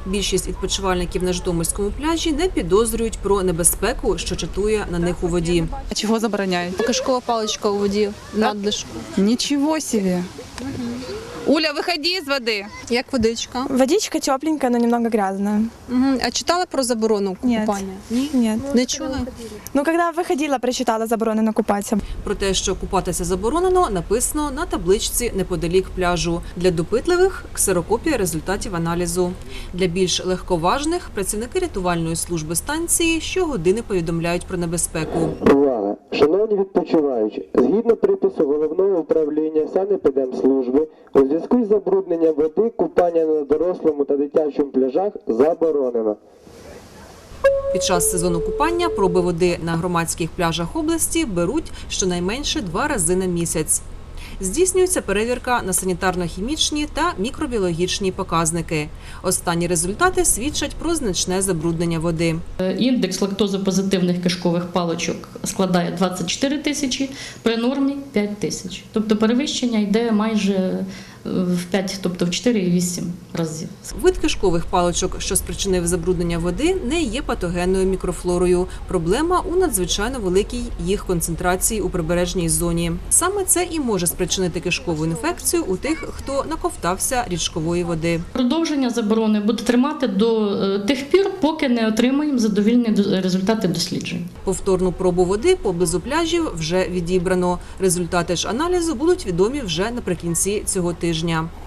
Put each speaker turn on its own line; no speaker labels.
Більшість відпочивальників на Житомирському пляжі не підозрюють про небезпеку, що чатує на них у воді.
А чого забороняють?
Кишкова паличка у воді, надлишку.
Нічого собі. Уля, виходи з води.
Як водичка.
Водичка тепленькая, но немного грязная.
А читала про заборону купання?
Нет.
Не чула?
Ну, когда выходила, прочитала заборону на купаться.
Про те, що купатися заборонено, написано на табличці неподалік пляжу. Для допитливих – ксерокопія результатів аналізу. Для більш легковажних – працівники рятувальної служби станції щогодини повідомляють про небезпеку.
Увага! Шановні відпочиваючі, згідно припису Головного управління Санепідемслужби, у зв'язку із забрудненням води купання на дорослому та дитячому пляжах заборонено.
Під час сезону купання проби води на громадських пляжах області беруть щонайменше 2 рази на місяць. Здійснюється перевірка на санітарно-хімічні та мікробіологічні показники. Останні результати свідчать про значне забруднення води.
Індекс лактозопозитивних кишкових паличок складає 24 тисячі, при нормі 5 тисяч. Тобто перевищення йде майже в 5, тобто в 4,8 разів.
Вид кишкових паличок, що спричинив забруднення води, не є патогенною мікрофлорою. Проблема у надзвичайно великій їх концентрації у прибережній зоні. Саме це і може спричинити кишкову інфекцію у тих, хто наковтався річкової води.
Продовження заборони буде тримати до тих пір, поки не отримаємо задовільні результати досліджень.
Повторну пробу води поблизу пляжів вже відібрано. Результати ж аналізу будуть відомі вже наприкінці цього тижня.